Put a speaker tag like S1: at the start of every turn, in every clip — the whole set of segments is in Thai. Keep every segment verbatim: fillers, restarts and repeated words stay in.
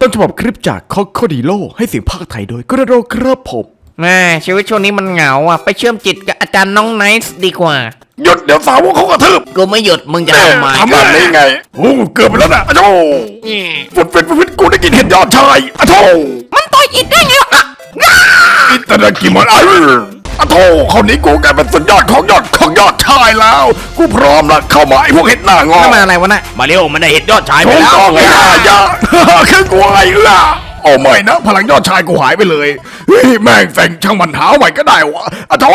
S1: ฉบับคลิปจากคอโคดิโลให้เสียงภาคไทยโดยกระโดครับผม
S2: แม่ชีวิตช่วงนี้มันเหงาอ่ะไปเชื่อมจิตกับอาจารย์น้องไนท์ดีกว่า
S1: หยุดเดี๋ยวสาวกเขากระทืบ
S2: กูไม่หยุดมึงจะทำไม
S1: ทำอะไรไงโอ้เกือบไปแล้วนะอะโธ่ฟุดเฟดฟุดกูได้กินเห็ดยอดชายอะโธ่
S2: มันต่อยอิดได้ไงอ่ะ
S1: อิตาลีกิมันอะอะโธ่คนนี้กูกลายเป็นสุดยอดของยอดของยอดชายแล้วกูพร้อมละเข้ามาไอ้พวกเห็ดหน้างอ
S2: มาอะไรวะน่ะมาเร็วมันได้เห็ดยอดชายไปแล้ว
S1: ไงยาคือกูไอ้เอื้อโอ้ไม่นะพลังยอดชายกูหายไปเลยเฮ้ยแม่งแฝงช่างมันหาใหม่ก็ได้วะอะโธ่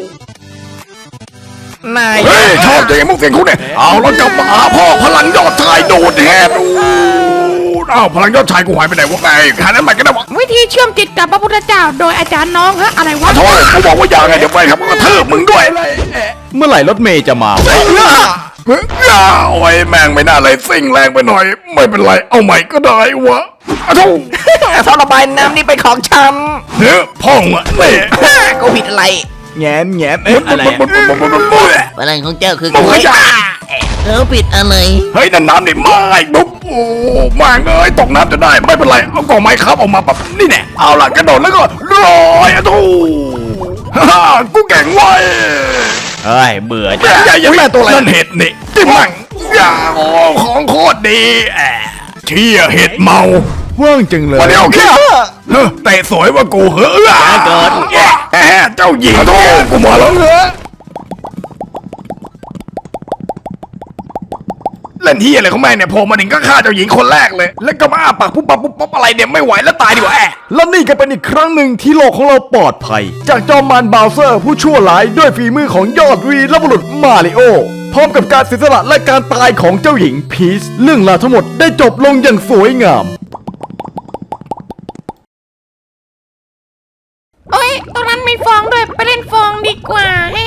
S2: นาย
S1: เฮ้ยชอบอย่างมุกเสียงคุณเนี่ยเอาแล้วกลับมาหาพ่อพลังยอดชายโดดแหบอ้าวพลังยอดชายกูหายไปไหนวะไงหานั้นใหม่ก็ได้วะ
S3: วิธีเชื่อมจิตกับพระพุทธเจ้าโดยอาจารย์น้องฮะอะไรวะ
S1: โธ่กูบอกว่าอย่างไงเดี๋ยวไปครับก็ทืบมึงด้วยเมื่อไหร่รถเมย์จะมาเฮ้ยโอ้ยแม่งไม่น่าเลยซิ่งแรงไปหน่อยไม่เป็นไรเอาใหม่ก็ได้วะอะโธ่
S2: ท่อระบายน้ำนี่ไปของฉัน
S1: เฮ้ยพ่องอะเน่
S2: กูผิดอะไร
S1: แง้มแง้มเอ๊ะอะไร
S2: อะไรของเจ้าคือกูเขาผิดอะไร
S1: เฮ้ยนั่นน้ำนี่ไม่บุ๊บโอ้มาเงยตกน้ำจะได้ไม่เป็นไรเอากองไม้ครับออกมาแบบนี่แน่เอาล่ะกระโดดแล้วก็ลอยอะโธ่ฮ่ากูเก่งไว้
S2: เฮ้ยเบื่อ
S1: จังใหญ่ยังแม่ตัวอะไรนั่นเห็ดนี่จิ้มมั่งอย่าอ๋อของโคตรดีแอะเชี่ยเห็ดเมาว่างจังเลยวันนี้โอเคเฮ้เตะสวยว่ากูเหรอ
S2: เกิด
S1: แหมเจ้าหญิงโธ่กูมาแล้วเหรอเล่นเฮียอะไรของแม่เนี่ยโผล่มาถึงก็ฆ่าเจ้าหญิงคนแรกเลยแล้วก็มาอ้าปากปุ๊บปั๊บปุ๊บปั๊บอะไรเนี่ยไม่ไหวแล้วตายดีกว่าแอะและนี่ก็เป็นอีกครั้งหนึ่งที่โลกของเราปลอดภัยจากจอมมารบาวเซอร์ผู้ชั่วร้ายด้วยฝีมือของยอดวีรบุรุษมาริโอพร้อมกับการเสียสละและการตายของเจ้าหญิงพีชเรื่องราวทั้งหมดได้จบลงอย่างสวยงาม
S3: โอ้ยตรงนั้นมีฟองด้วยไปเล่นฟองดีกว่าแฮ